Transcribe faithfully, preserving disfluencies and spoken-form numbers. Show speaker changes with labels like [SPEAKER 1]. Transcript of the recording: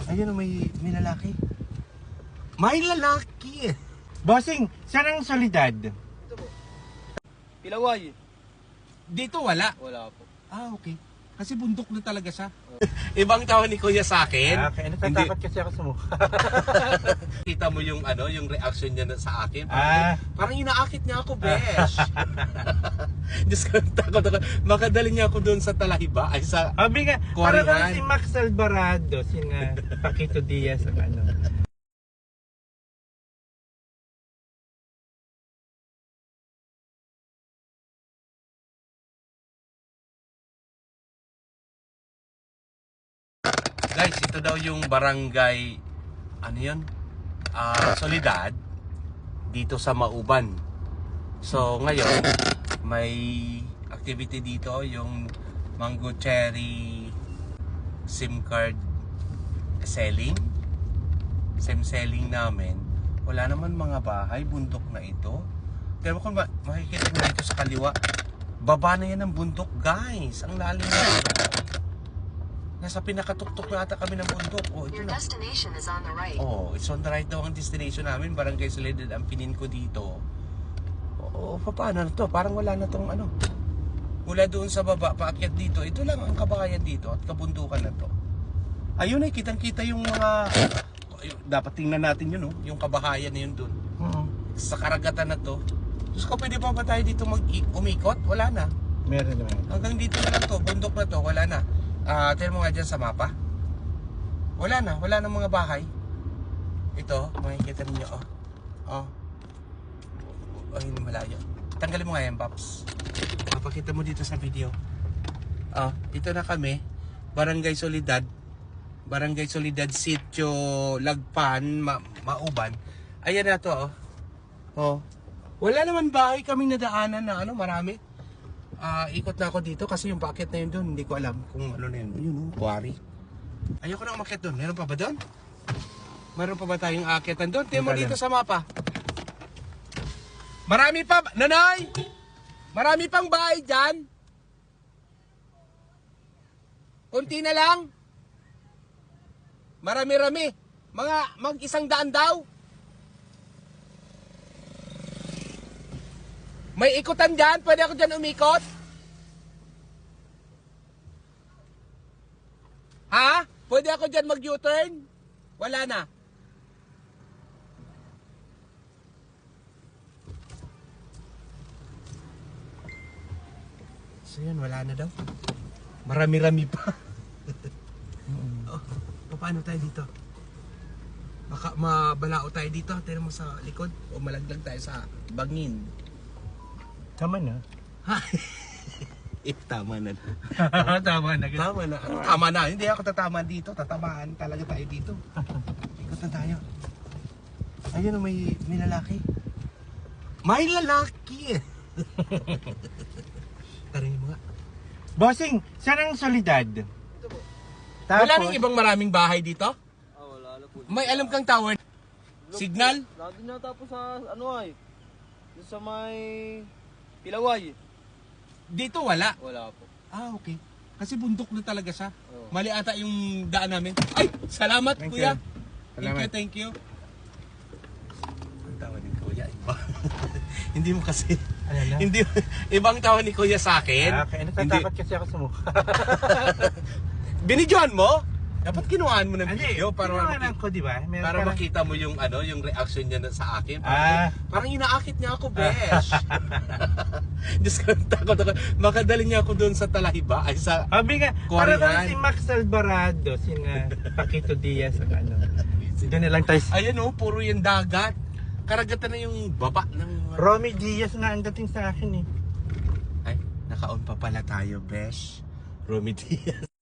[SPEAKER 1] Ayun, may, may lalaki. May lalaki!
[SPEAKER 2] Bossing, saan ang Solidad?
[SPEAKER 3] Ito po. Pilaway.
[SPEAKER 1] Dito wala.
[SPEAKER 3] Wala po.
[SPEAKER 1] Ah, okay. Kasi bundok na talaga siya. Ibang tawag ni Kuya sa akin.
[SPEAKER 2] Ah, okay, natatakot kasi ako sa mukha.
[SPEAKER 1] Kita mo yung ano, yung reaction niya na sa akin. Parang,
[SPEAKER 2] Ah.
[SPEAKER 1] parang inaakit niya ako, besh. Diyos ko, takot ako. Makadali niya ako doon sa Talahiba. Ay, sa...
[SPEAKER 2] Sabi nga, para
[SPEAKER 1] Korean.
[SPEAKER 2] kang si Max Alvarado, sina Paquito Diaz, ang ano.
[SPEAKER 1] Guys, ito daw yung barangay, ano yun? Ah, Solidad, dito sa Mauban. So, ngayon, may activity dito, yung Mango Cherry SIM card selling. SIM selling namin. Wala naman mga bahay, bundok na ito. Pero kung ma makikita nyo dito sa kaliwa, baba na yan ng bundok, guys. Ang lalim na. Nasa pinakatuktok na ata kami ng bundok. Oh, ito
[SPEAKER 4] Your
[SPEAKER 1] na.
[SPEAKER 4] destination is on the right.
[SPEAKER 1] Oh, it's on the right daw ang destination namin. Barangay Solidad ang pinin ko dito. Oo, oh, paano na to? Parang wala na tong ano. Mula doon sa baba, paakyat dito. Ito lang ang kabahayan dito at kabundukan na to. Ayun ay, kitang-kita yung mga... Dapat tingnan natin yun, oh. Yung kabahayan na yun doon.
[SPEAKER 2] Hmm.
[SPEAKER 1] Sa karagatan na to. Diyos ko, pwede pa ba tayo dito mag-umikot? Wala na.
[SPEAKER 2] Meron naman.
[SPEAKER 1] Hanggang dito na lang to. Bundok na to. Wala na. Ah, uh, tignan mo nga dyan sa mapa. Wala na, wala na mga bahay. Ito, makikita ninyo, oh. Oh. Oh, hindi malayo. Tanggalin mo nga yan, Paps. Mapakita mo dito sa video. Oh, ito na kami. Barangay Solidad. Barangay Solidad, Sitio Lagpan, Ma Mauban. Ayan na to, oh. Oh. Wala naman bahay kaming nadaanan na ano, marami. Ah, uh, ikot na ako dito kasi yung packet na yun doon, hindi ko alam kung ano na yun. Yun, oh, quarry. Ayoko na umakyat doon. Meron pa ba doon? Meron pa ba tayong aakyatan doon? Tingnan mo dito sa mapa. Marami pa, Nanay! Marami pang bahay dyan. Kunti na lang. Marami-rami. Mga mag-isang daan daw. May ikutan dyan? Pwede ako dyan umikot? Ha? Pwede ako dyan mag-U-turn? Wala na. So yun, wala na daw. Marami-rami pa. Oh, paano tayo dito? Baka mabalao tayo dito. Tignan mo sa likod. O malaglag tayo sa bangin.
[SPEAKER 2] Tama na.
[SPEAKER 1] Eh, tama na.
[SPEAKER 2] Tama na.
[SPEAKER 1] Tama na. Ano, tama na. Hindi ako tatama dito. Tatamaan talaga tayo dito. Ikot na tayo. Ayun, may, may lalaki. May lalaki! Tarihin mo nga.
[SPEAKER 2] Bossing, saan ang Solidad?
[SPEAKER 3] Ito po.
[SPEAKER 1] Wala nang ibang maraming bahay dito?
[SPEAKER 3] Ah, wala na po.
[SPEAKER 1] May alam kang tower? Signal?
[SPEAKER 3] Nandun na tapos sa ano ay. Doon sa may Pilaway.
[SPEAKER 1] Dito wala.
[SPEAKER 3] Wala po.
[SPEAKER 1] Ah, okay. Kasi bundok na talaga siya.
[SPEAKER 3] Oo.
[SPEAKER 1] Mali ata yung daan namin. Ay! Salamat,
[SPEAKER 2] Thank
[SPEAKER 1] kuya.
[SPEAKER 2] you.
[SPEAKER 1] Thank
[SPEAKER 2] Salamat.
[SPEAKER 1] you, thank you. Ang tawa ni kuya, iba. Hindi mo kasi...
[SPEAKER 2] Ano na?
[SPEAKER 1] Hindi, ibang tawa ni kuya sa akin.
[SPEAKER 2] Ah, okay, natatakot kasi ako sa mukha.
[SPEAKER 1] Binidyohan mo? Dapat kinuhaan mo ng
[SPEAKER 2] Hindi,
[SPEAKER 1] video para
[SPEAKER 2] tinawanan
[SPEAKER 1] makita,
[SPEAKER 2] ko, di ba? Meron
[SPEAKER 1] para
[SPEAKER 2] parang-
[SPEAKER 1] makita mo yung ano, yung reaction niya na sa akin. Parang,
[SPEAKER 2] Ah.
[SPEAKER 1] parang inaakit niya ako, besh. Diyos ko, takot ako. Makadali niya ako doon sa Talahiba. Ay, sa...
[SPEAKER 2] Sabi nga, para
[SPEAKER 1] Korean.
[SPEAKER 2] kang si Max Alvarado, sina Paquito Diaz, ang ano. Doon na lang tayo.
[SPEAKER 1] Ayan oh, puro yung dagat. Karagatan na yung baba ng...
[SPEAKER 2] Romy Diaz nga ang dating sa akin eh.
[SPEAKER 1] Ay, naka-on pa pala tayo, besh. Romy Diaz.